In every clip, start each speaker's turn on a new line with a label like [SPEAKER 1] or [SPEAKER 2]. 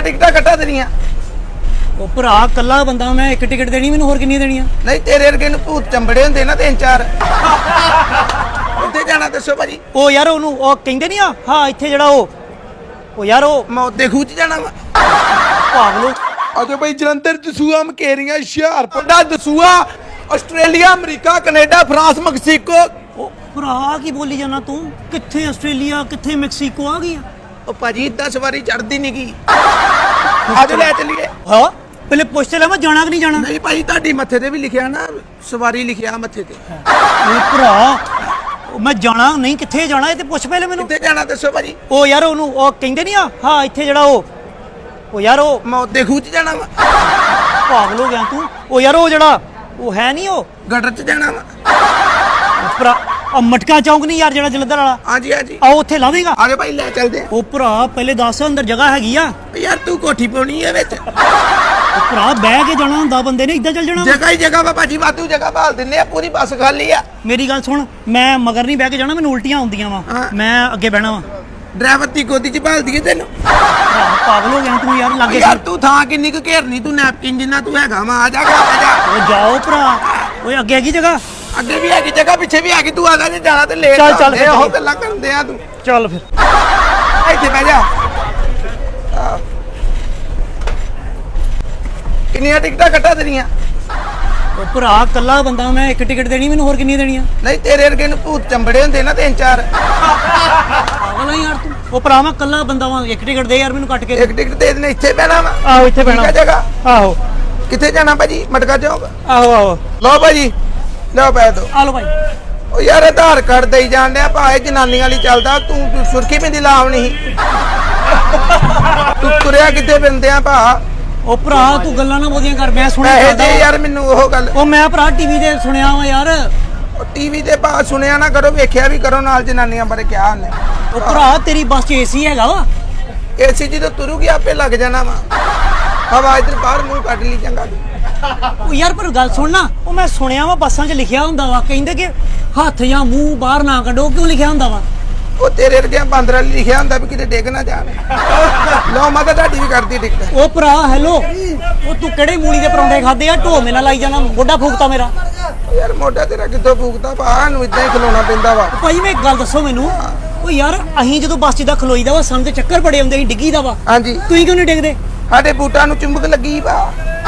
[SPEAKER 1] टिकटा कट्टा तेरिया
[SPEAKER 2] ਉਹ ਭਰਾ ਕੱਲਾ ਬੰਦਾ ਮੈਂ ਇੱਕ ਟਿਕਟ ਦੇਣੀ ਮੈਨੂੰ ਹੋਰ ਕਿੰਨੀ ਦੇਣੀਆਂ
[SPEAKER 1] नहीं तेरे वर्गे नूं भूत चंबड़े हुंदे ना 3-4 उत्थे जाना दसो भाजी
[SPEAKER 2] ਉਹ ਯਾਰ ਉਹਨੂੰ ਉਹ ਕਹਿੰਦੇ ਨਹੀਂ ਆ ਹਾਂ ਇੱਥੇ ਜਿਹੜਾ ਉਹ ਯਾਰ ਉਹ
[SPEAKER 1] मैं उत्ते खूह च जाना वा
[SPEAKER 2] ਪਾਗਲੋ
[SPEAKER 1] अजो भाई जलंधर दसूआ मकेरियां हुशियारपुर दा Dasuya Australia America Canada France Mexico
[SPEAKER 2] ਉਹ ਭਰਾ ਕੀ ਬੋਲੀ ਜਾਣਾ ਤੂੰ ਕਿੱਥੇ ਆਸਟ੍ਰੇਲੀਆ ਕਿੱਥੇ ਮੈਕਸੀਕੋ ਆ ਗਈ
[SPEAKER 1] ओ भाजी 10 वारी चढ़दी नहीं की आज ले चलिए
[SPEAKER 2] ਹਾਂ ਪਹਿਲੇ ਪੁੱਛ ਲੈ ਮੈਂ ਜਾਣਾ ਕਿ ਨਹੀਂ ਜਾਣਾ
[SPEAKER 1] नहीं भाई ਤੁਹਾਡੀ ਮੱਥੇ ਤੇ ਵੀ ਲਿਖਿਆ ਨਾ ਸਵਾਰੀ ਲਿਖਿਆ ਮੱਥੇ ਤੇ
[SPEAKER 2] ਉਹ ਭਰਾ ਉਹ ਮੈਂ ਜਾਣਾ ਨਹੀਂ ਕਿੱਥੇ ਜਾਣਾ ਇਹ ਤੇ ਪੁੱਛ ਪਹਿਲੇ ਮੈਨੂੰ
[SPEAKER 1] ਕਿੱਥੇ ਜਾਣਾ ਦੱਸੋ ਭਾਜੀ
[SPEAKER 2] ਉਹ ਯਾਰ ਉਹਨੂੰ ਉਹ ਕਹਿੰਦੇ ਨਹੀਂ ਆ ਹਾਂ ਇੱਥੇ ਜਿਹੜਾ ਉਹ ਯਾਰ ਉਹ
[SPEAKER 1] ਮੈਂ ਉੱਤੇ ਖੂਹ ਚ ਜਾਣਾ ਵਾ
[SPEAKER 2] ਪਾਗਲ ਹੋ ਗਿਆ ਤੂੰ ਉਹ ਯਾਰ ਉਹ ਜਿਹੜਾ ਉਹ ਹੈ ਨਹੀਂ ਉਹ
[SPEAKER 1] ਗਟਰ ਚ ਜਾਣਾ ਵਾ
[SPEAKER 2] ਭਰਾ ਆ ਮਟਕਾ ਚੌਂਕ ਨਹੀਂ ਯਾਰ ਜਿਹੜਾ ਜਲੰਧਰ ਵਾਲਾ
[SPEAKER 1] ਹਾਂਜੀ ਹਾਂਜੀ
[SPEAKER 2] ਆ ਉੱਥੇ ਲਾਵੇਂਗਾ
[SPEAKER 1] ਆਜੋ ਭਾਈ ਲੈ ਚੱਲਦੇ ਆ
[SPEAKER 2] ਉਹ ਭਰਾ ਪਹਿਲੇ ਦੱਸ ਅੰਦਰ ਜਗ੍ਹਾ ਹੈਗੀ ਆ
[SPEAKER 1] ਯਾਰ ਤੂੰ ਕੋਠੀ ਪਾਉਣੀ ਹੈ ਵਿੱਚ
[SPEAKER 2] ਉਹ ਭਰਾ ਬਹਿ ਕੇ ਜਾਣਾ ਹੁੰਦਾ ਬੰਦੇ ਨੇ ਇੱਦਾਂ ਚੱਲ ਜਾਣਾ
[SPEAKER 1] ਜਗ੍ਹਾ ਹੀ ਜਗ੍ਹਾ ਵਾ ਭਾਜੀ ਵਾਧੂ ਜਗ੍ਹਾ ਭਾਲ ਦਿੰਨੇ ਆ ਪੂਰੀ ਬੱਸ ਖਾਲੀ ਆ
[SPEAKER 2] ਮੇਰੀ ਗੱਲ ਸੁਣ ਮੈਂ ਮਗਰ ਨਹੀਂ ਬਹਿ ਕੇ ਜਾਣਾ ਮੈਨੂੰ ਉਲਟੀਆਂ ਆਉਂਦੀਆਂ ਵਾ
[SPEAKER 1] ਹਾਂ।
[SPEAKER 2] ਮੈਂ ਅੱਗੇ ਬਹਿਣਾ ਵਾ
[SPEAKER 1] ਡਰਾਈਵਰ ਦੀ ਗੋਦੀ ਚ ਭਾਲ ਦਈਏ ਤੈਨੂੰ
[SPEAKER 2] ਭਰਾ ਪਾਗਲ ਹੋ ਗਿਆ ਤੂੰ ਯਾਰ ਲੱਗੇ
[SPEAKER 1] ਯਾਰ ਤੂੰ ਥਾਂ ਕਿੰਨੀ ਕੁ ਘੇਰਨੀ ਤੂੰ ਨੈਪਕਿਨ ਜਿੰਨਾ ਤੂੰ ਹੈਗਾ ਵਾ ਆ ਜਾ ਆ ਜਾ
[SPEAKER 2] ਉਹ ਜਾਓ ਭਰਾ ਓਏ ਅੱਗੇ ਹੈਗੀ ਜਗ੍ਹਾ
[SPEAKER 1] ਅੱਗੇ ਵੀ ਹੈਗੀ ਜਗ੍ਹਾ ਪਿੱਛੇ ਵੀ ਹੈਗੀ ਤੂੰ ਆ ਜਾ ਜੇ ਜਾਣਾ ਤੇ ਲੇਟ
[SPEAKER 2] ਚੱਲ, ਚੱਲ,
[SPEAKER 1] ਇਹ ਉਹ
[SPEAKER 2] ਚੱਲ।
[SPEAKER 1] ਗੱਲਾਂ ਕਰਦੇ ਆ ਤੂੰ
[SPEAKER 2] ਚੱਲ ਫਿਰ
[SPEAKER 1] ਇੱਥੇ ਬਹਿ ਜਾ ਆਹ। ਕਿੰਨੀਆਂ ਟਿਕਟਾਂ ਕੱਟਾ ਤੇਰੀਆਂ
[SPEAKER 2] ਉਹ ਭਰਾ ਕੱਲਾ ਬੰਦਾ ਮੈਂ ਇੱਕ ਟਿਕਟ ਦੇਣੀ ਮੈਨੂੰ ਹੋਰ ਕਿੰਨੀ ਦੇਣੀਆਂ
[SPEAKER 1] ਨਹੀਂ ਤੇਰੇ ਵਰਗੇ ਨੂੰ ਭੂਤ ਚੰਬੜੇ ਹੁੰਦੇ ਨਾ 3-4
[SPEAKER 2] ਪਾਗਲ ਆ ਯਾਰ ਤੂੰ ਉਹ ਭਰਾ ਮੈਂ ਕੱਲਾ ਬੰਦਾ ਵਾਂ ਇੱਕ ਟਿਕਟ ਦੇ ਯਾਰ ਮੈਨੂੰ ਕੱਟ ਕੇ
[SPEAKER 1] ਇੱਕ ਟਿਕਟ ਦੇ ਦੇਣੇ ਇੱਥੇ ਬਹਿਣਾ ਵਾ
[SPEAKER 2] ਆਹੋ ਇੱਥੇ
[SPEAKER 1] ਠੀਕ ਆ
[SPEAKER 2] ਪੈਣਾ
[SPEAKER 1] ਜਗ੍ਹਾ
[SPEAKER 2] ਆਹੋ
[SPEAKER 1] ਕਿੱਥੇ ਜਾਣਾ ਭਾਜੀ ਮਟਕਾ ਚੌਂਕ
[SPEAKER 2] ਆਹੋ ਆਹੋ
[SPEAKER 1] ਲਓ ਭਾਜੀ ਲਓ ਪੈ ਦੋ
[SPEAKER 2] ਆ ਲੋ ਭਾਈ
[SPEAKER 1] ਉਹ ਯਾਰ ਆਧਾਰ ਕਾਰਡ ਦੇਈ ਜਾਣ ਡਿਆ ਭਾਏ ਜਨਾਨੀ ਵਾਲੀ ਚੱਲਦਾ ਤੂੰ ਸੁਰਖੀ ਬਿੰਦੀ ਲਾਵ ਨਹੀਂ ਤੂੰ ਤੁਰਿਆ ਕਿੱਥੇ ਫਿਰਦੇ ਆ ਭਾ
[SPEAKER 2] ਉਹ ਭਰਾ ਤੂੰ ਗੱਲਾਂ ਨਾ ਬੋਲੀਆਂ ਕਰ ਮੈਂ ਸੁਣਿਆ
[SPEAKER 1] ਪੈਸੇ
[SPEAKER 2] ਕਰਦਾ
[SPEAKER 1] ਦੇ
[SPEAKER 2] ਵਾਂ।
[SPEAKER 1] ਯਾਰ ਮੈਨੂੰ ਉਹ ਗੱਲ
[SPEAKER 2] ਉਹ ਮੈਂ ਭਰਾ ਟੀਵੀ ਤੇ ਸੁਣਿਆ ਵਾ ਯਾਰ
[SPEAKER 1] ਟੀਵੀ ਤੇ ਭਾ ਸੁਣਿਆ ਨਾ ਕਰੋ ਵੇਖਿਆ ਵੀ ਕਰੋ ਨਾਲ ਜਨਾਨੀਆਂ ਬਾਰੇ ਕਿਹਾ ਉਹਨੇ
[SPEAKER 2] ਉਹ ਭਰਾ ਤੇਰੀ ਬੱਸ 'ਚ ਏਸੀ ਹੈਗਾ ਵਾ
[SPEAKER 1] ਏਸੀ ਜਦੋਂ ਤੁਰੂਗੀ ਆਪੇ ਲੱਗ ਜਾਣਾ ਵਾ ਹਵਾ ਇਧਰ ਬਾਹਰ ਮੂੰਹ ਕੱਢ ਲਈ ਚੰਗਾ
[SPEAKER 2] ਉਹ ਯਾਰ ਪਰ ਗੱਲ ਸੁਣ ਨਾ ਉਹ ਮੈਂ ਸੁਣਿਆ ਵਾ ਬੱਸਾਂ 'ਚ ਲਿਖਿਆ ਹੁੰਦਾ ਵਾ ਕਹਿੰਦੇ ਕਿ ਹੱਥ ਜਾਂ ਮੂੰਹ ਬਾਹਰ ਨਾ ਕੱਢੋ ਕਿਉਂ ਲਿਖਿਆ ਹੁੰਦਾ ਵਾ
[SPEAKER 1] ਉਹ ਤੇਰੇ ਵਰਗਿਆਂ ਬਾਂਦਰ ਵਾਲੀ ਲਿਖਿਆ ਹੁੰਦਾ ਵੀ ਕਿਤੇ ਡਿੱਗ ਨਾ ਜਾਣ ਲਓ ਮੈਂ ਤਾਂ ਤੁਹਾਡੀ ਵੀ ਕਰਦੀ ਟਿਕਟ
[SPEAKER 2] ਉਹ ਭਰਾ ਹੈਲੋ ਉਹ ਤੂੰ ਕਿਹੜੇ ਮੂਲੀ ਦੇ ਪਰੌਂਠੇ ਖਾਦੇ ਆ ਢੋਮੇ ਨਾਲ ਲਾਈ ਜਾਣਾ ਗੋਡਾ ਫੂਕਤਾ ਮੇਰਾ
[SPEAKER 1] ਯਾਰ ਮੋਢਾ ਤੇਰਾ ਕਿੱਥੋਂ ਫੂਕਦਾ ਭਾ ਨੂੰ ਇਦਾਂ ਹੀ ਖਲੋਣਾ ਪੈਂਦਾ ਵਾ
[SPEAKER 2] ਭਾਈ ਮੈਂ ਇੱਕ ਗੱਲ ਦੱਸੋ ਮੈਨੂੰ ਉਹ ਯਾਰ ਅਸੀਂ ਜਦੋਂ ਬੱਸ 'ਚ ਦਾ ਖਲੋਈਦਾ ਵਾ ਸਾਨੂੰ ਤੇ ਚੱਕਰ ਬੜੇ ਆਉਂਦੇ ਸੀ ਡਿੱਗੀਦਾ ਵਾ
[SPEAKER 1] ਹਾਂਜੀ
[SPEAKER 2] ਤੁਸੀਂ ਕਿਉਂ ਨਹੀਂ ਡਿੱਗਦੇ
[SPEAKER 1] ਸਾਡੇ ਬੂਟਾਂ ਨੂੰ ਚੁੰਬਕ ਲੱਗੀ ਭਾ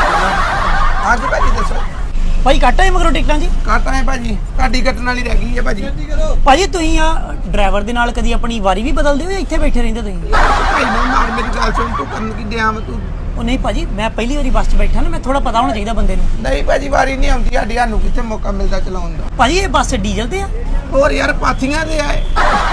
[SPEAKER 1] ਹਾਂਜੀ ਭਾਜੀ ਦੱਸੋ
[SPEAKER 2] ਭਾਈ ਕੱਟ ਆਏ ਮਗਰੋਂ ਟਿਕਟਾਂ ਜੀ
[SPEAKER 1] ਕਾਟਾ ਹੈ ਭਾਜੀ ਤੁਹਾਡੀ ਕੱਟਣ ਵਾਲੀ ਰਹਿ ਗਈ ਹੈ ਭਾਜੀ
[SPEAKER 2] ਭਾਜੀ ਤੁਸੀਂ ਆ ਡਰਾਈਵਰ ਦੇ ਨਾਲ ਕਦੀ ਆਪਣੀ ਵਾਰੀ ਵੀ ਬਦਲਦੇ ਹੋ ਜਾਂ ਇੱਥੇ ਬੈਠੇ ਰਹਿੰਦੇ ਤੁਸੀਂ
[SPEAKER 1] ਭਾਈ ਨਾ ਮਾਰ ਮੇਰੀ ਗੱਲ ਸੁਣ ਤੂੰ ਕਰਨ ਕੀ ਡਿਆ ਵਾ ਤੂੰ
[SPEAKER 2] ਉਹ ਨਹੀਂ ਭਾਜੀ ਮੈਂ ਪਹਿਲੀ ਵਾਰੀ ਬੱਸ 'ਚ ਬੈਠਾ ਨਾ ਮੈਂ ਥੋੜਾ ਪਤਾ ਹੋਣਾ ਚਾਹੀਦਾ ਬੰਦੇ ਨੂੰ
[SPEAKER 1] ਨਹੀਂ ਭਾਜੀ ਵਾਰੀ ਨਹੀਂ ਆਉਂਦੀ ਸਾਡੀ ਸਾਨੂੰ ਕਿੱਥੇ ਮੌਕਾ ਮਿਲਦਾ ਚਲਾਉਣ ਦਾ
[SPEAKER 2] ਭਾਜੀ ਇਹ ਬੱਸ ਡੀਜ਼ਲ ਤੇ ਆ
[SPEAKER 1] ਹੋਰ ਯਾਰ ਪਾਥੀਆਂ ਦੇ ਆਏ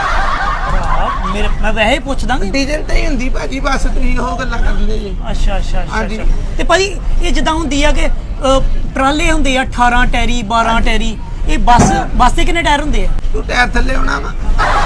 [SPEAKER 2] ਮੇਰੇ ਮੈਂ ਵੈਸੇ ਹੀ ਪੁੱਛਦਾ ਕਿ
[SPEAKER 1] ਡੀਜ਼ਲ ਤੇ ਹੀ ਹੁੰਦੀ ਭਾਜੀ ਬਸ ਤੁਸੀਂ ਉਹ ਗੱਲਾਂ ਕਰਦੇ ਜੀ
[SPEAKER 2] ਅੱਛਾ ਅੱਛਾ
[SPEAKER 1] ਹਾਂਜੀ।
[SPEAKER 2] ਅੱਛਾ ਤੇ ਭਾਜੀ ਇਹ ਜਿੱਦਾਂ ਹੁੰਦੀ ਆ ਕਿ ਟਰਾਲੇ ਹੁੰਦੇ ਆ 18 ਟੈਰੀ 12 ਟੈਰੀ ਇਹ ਬੱਸ ਤੇ ਕਿੰਨੇ ਟਾਇਰ ਹੁੰਦੇ ਆ
[SPEAKER 1] ਤੂੰ ਟਾਇਰ ਥੱਲੇ ਆਉਣਾ ਵਾ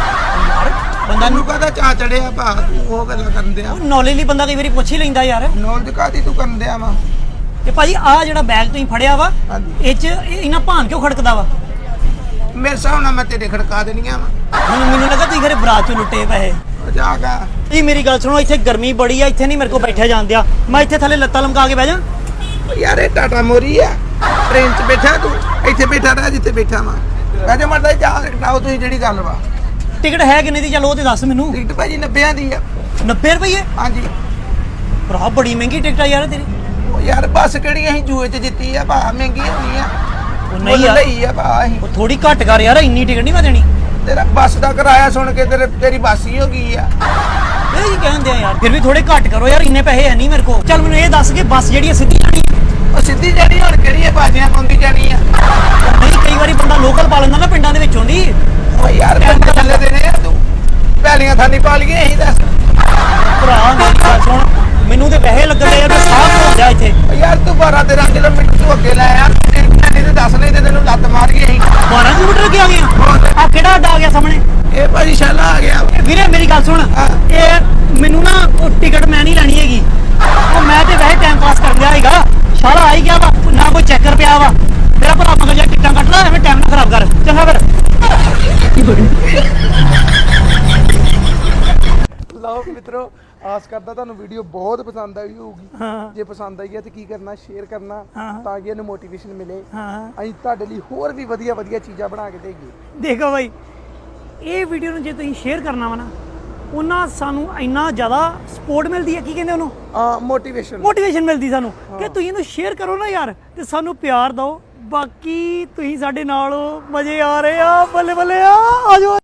[SPEAKER 2] ਬੰਦਾ
[SPEAKER 1] ਤੈਨੂੰ ਕਹਦਾ ਚਾ ਚੜਿਆ ਭਾ ਤੂੰ ਉਹ ਗੱਲਾਂ ਕਰਦੇ ਆ
[SPEAKER 2] ਨੌਲੇਜ ਲਈ ਬੰਦਾ ਕਈ ਵਾਰੀ ਪੁੱਛ ਹੀ ਲੈਂਦਾ ਯਾਰ
[SPEAKER 1] ਨੌਲੇਜ ਕਾਦੀ ਤੂੰ ਕਰਨ ਦਿਆ ਵਾ
[SPEAKER 2] ਤੇ ਭਾਜੀ ਆ ਜਿਹੜਾ ਬੈਗ ਤੁਸੀਂ ਫੜਿਆ ਵਾ
[SPEAKER 1] ਹਾਂਜੀ।
[SPEAKER 2] ਇਹ 'ਚ ਇਹਨਾਂ ਭਾਨ ਕਿਉਂ ਖੜਕਦਾ ਵਾ
[SPEAKER 1] ਮੇਰੇ ਹਿਸਾਬ ਨਾਲ ਮੈਂ ਤੇਰੇ ਖੜਕਾ ਦੇਣੀਆਂ ਵਾ
[SPEAKER 2] ਮੈਨੂੰ ਲੱਗਾ ਤੁਸੀਂ ਘਰੇ ਬਰਾਤ 'ਚ ਲੁੱਟੇ ਪੈਸੇ
[SPEAKER 1] ਜਾ ਗਾ
[SPEAKER 2] ਜੀ ਮੇਰੀ ਗੱਲ ਸੁਣੋ ਇੱਥੇ ਗਰਮੀ ਬੜੀ ਆ ਇੱਥੇ ਨਹੀਂ ਮੇਰੇ ਕੋਲ ਬੈਠਿਆ ਜਾਂਦਿਆ ਮੈਂ ਇੱਥੇ ਥੱਲੇ ਲੱਤਾਂ ਲਮਕਾ ਕੇ ਬਹਿ ਜਾ
[SPEAKER 1] ਯਾਰ ਇਹ ਟਾਟਾ ਮੋਰੀ ਆ ਟ੍ਰੇਨ 'ਚ ਬੈਠਾ ਤੂੰ ਇੱਥੇ ਬੈਠਾ ਰਹਿ ਜਿੱਥੇ ਬੈਠਾ ਵਾ ਕਹਿੰਦੇ ਮਰਦਾ ਜਾ ਕਟਾਓ ਤੁਸੀਂ ਜਿਹੜੀ ਗੱਲ ਵਾ
[SPEAKER 2] ਟਿਕਟ ਹੈ ਕਿੰਨੇ ਦੀ ਚੱਲ ਉਹ ਤੇ ਦੱਸ ਮੈਨੂੰ
[SPEAKER 1] ਟਿਕਟ ਭਾਜੀ 90 ਦੀ ਆ
[SPEAKER 2] 90 ਰੁਪਏ
[SPEAKER 1] ਹਾਂਜੀ
[SPEAKER 2] ਭਰਾ ਬੜੀ ਮਹਿੰਗੀ ਟਿਕਟ ਆ ਯਾਰ ਤੇਰੀ
[SPEAKER 1] ਉਹ ਯਾਰ ਬੱਸ ਕਿਹੜੀ ਅਸੀਂ ਜੂਏ 'ਚ ਜਿੱਤੀ ਆ ਭਾ ਮਹਿੰਗੀ ਹੋਣੀ ਆ
[SPEAKER 2] ਉਹ ਨਹੀਂ
[SPEAKER 1] ਮੁੱਲ
[SPEAKER 2] ਯਾਰ
[SPEAKER 1] ਲਈ ਆ ਭਾ ਅਸੀਂ
[SPEAKER 2] ਉਹ ਥੋੜੀ ਘੱਟ ਕਰ ਯਾਰ ਇੰਨੀ ਟਿਕਟ ਨਹੀਂ ਮੈਂ ਦੇਣੀ
[SPEAKER 1] ਤੇਰਾ ਬੱਸ ਦਾ ਕਿਰਾਇਆ ਸੁਣ ਕੇ ਤੇਰੀ ਬੱਸ ਹੀ ਹੋ ਗਈ ਆ
[SPEAKER 2] ਇਹ ਕੀ ਕਹਿੰਦੇ ਆ ਯਾਰ ਫਿਰ ਵੀ ਥੋੜੇ ਘੱਟ ਕਰੋ ਯਾਰ ਇੰਨੇ ਪੈਸੇ ਹੈ ਨਹੀਂ ਮੇਰੇ ਕੋਲ ਚੱਲ ਮੈਨੂੰ ਇਹ ਦੱਸ ਕਿ ਬੱਸ ਜਿਹੜੀ ਆ ਸਿੱਧੀ ਜਾਣੀ ਆ?
[SPEAKER 1] ਉਹ ਸਿੱਧੀ ਜਾਣੀ ਹੁਣ ਕਿਹੜੀ ਹੈ ਬਾਜੀਆਂ ਪਾਉਂਦੀ ਜਾਣੀ ਆ
[SPEAKER 2] ਨਹੀਂ ਕਈ ਵਾਰੀ ਬੰਦਾ ਲੋਕਲ ਪਾ ਲੈਂਦਾ ਨਾ ਪਿੰਡਾਂ ਦੇ ਵਿੱਚੋਂ ਦੀ
[SPEAKER 1] ਓ ਯਾਰ ਪਿੰਡ ਥੱਲੇ ਦੇਣੇ ਆ ਤੂੰ ਪਹਿਲੀਆਂ ਥਾਨੀ ਪਾ ਲਈਏ ਅਸੀਂ ਦੱਸ
[SPEAKER 2] ਭਰਾ ਮੇਰੀ ਗੱਲ ਸੁਣ ਮੈਨੂੰ ਤੇ ਪੈਸੇ ਲੱਗਦੇ ਯਾਰ ਮੈਂ ਸਾਹ ਹੋ ਜਾ ਇੱਥੇ
[SPEAKER 1] ਓ ਯਾਰ ਤੂੰ 12-13 ਕਿਲੋਮੀਟਰ ਤੂੰ ਅੱਗੇ ਲੈ ਆ ਨਹੀਂ ਤੇ ਦੱਸ ਨਹੀਂ ਤੇ ਤੈਨੂੰ ਲੱਤ ਮਾਰ ਗਈ ਅਸੀਂ
[SPEAKER 2] 12 ਕਿਲੋਮੀਟਰ ਅੱਗੇ ਆ ਗਏ ਆ ਕਿਹੜਾ ਅੱਡਾ ਆ ਗਿਆ ਸਾਹਮਣੇ
[SPEAKER 1] ਇਹ ਭਾਜੀ ਸ਼ਾਲਾ ਆ ਗਿਆ
[SPEAKER 2] ਵੀਰੇ ਮੇਰੀ ਗੱਲ ਸੁਣ ਇਹ ਮੈਨੂੰ ਨਾ ਉਹ ਟਿਕਟ ਮੈਂ ਨਹੀਂ ਲੈਣੀ ਹੈਗੀ ਉਹ ਮੈਂ ਤੇ ਵੈਸੇ ਟਾਈਮ ਪਾਸ ਕਰ ਲਿਆ ਹੈਗਾ ਸਾਰਾ ਆ ਹੀ ਗਿਆ ਵਾ ਨਾ ਕੋਈ ਚੈੱਕਰ ਪਿਆ ਵਾ ਮੇਰਾ ਭਰਾ ਮਗਰ ਜਾ ਟਿਕਟਾਂ ਕੱਟ ਲੈ ਐਵੇਂ ਟਾਈਮ ਨਾ ਖਰਾਬ ਕਰ ਚੰਗਾ ਫਿਰ
[SPEAKER 1] ਲਓ ਮਿੱਤਰੋ ਆਸ ਕਰਦਾ ਤੁਹਾਨੂੰ ਵੀਡੀਓ ਬਹੁਤ ਪਸੰਦ ਆਈ ਹੋਊਗੀ।
[SPEAKER 2] ਹਾਂ
[SPEAKER 1] ਜੇ ਪਸੰਦ ਆਈ ਹੈ ਤੇ ਕੀ ਕਰਨਾ, ਸ਼ੇਅਰ ਕਰਨਾ
[SPEAKER 2] ਹਾਂ।
[SPEAKER 1] ਤਾਂ ਕਿ ਇਹਨੂੰ ਮੋਟੀਵੇਸ਼ਨ ਮਿਲੇ।
[SPEAKER 2] ਹਾਂ
[SPEAKER 1] ਅਸੀਂ ਤੁਹਾਡੇ ਲਈ ਹੋਰ ਵੀ ਵਧੀਆ ਵਧੀਆ ਚੀਜ਼ਾਂ ਬਣਾ ਕੇ ਦੇਈਏ।
[SPEAKER 2] ਦੇਖੋ ਬਾਈ, ਇਹ ਵੀਡੀਓ ਨੂੰ ਜੇ ਤੁਸੀਂ ਸ਼ੇਅਰ ਕਰਨਾ ਵਾ ਨਾ, ਉਹਨਾਂ ਸਾਨੂੰ ਇੰਨਾ ਜ਼ਿਆਦਾ ਸਪੋਰਟ ਮਿਲਦੀ ਹੈ, ਕੀ ਕਹਿੰਦੇ ਉਹਨੂੰ, ਮੋਟੀਵੇਸ਼ਨ ਮਿਲਦੀ ਸਾਨੂੰ ਕਿ ਤੁਸੀਂ ਇਹਨੂੰ ਸ਼ੇਅਰ ਕਰੋ ਨਾ ਯਾਰ, ਤੇ ਸਾਨੂੰ ਪਿਆਰ ਦਿਓ। ਬਾਕੀ ਤੁਸੀਂ ਸਾਡੇ ਨਾਲ ਹੋ, ਮਜ਼ੇ ਆ ਰਹੇ ਆ, ਬੱਲੇ ਬੱਲੇ ਆ, ਆਜੋ।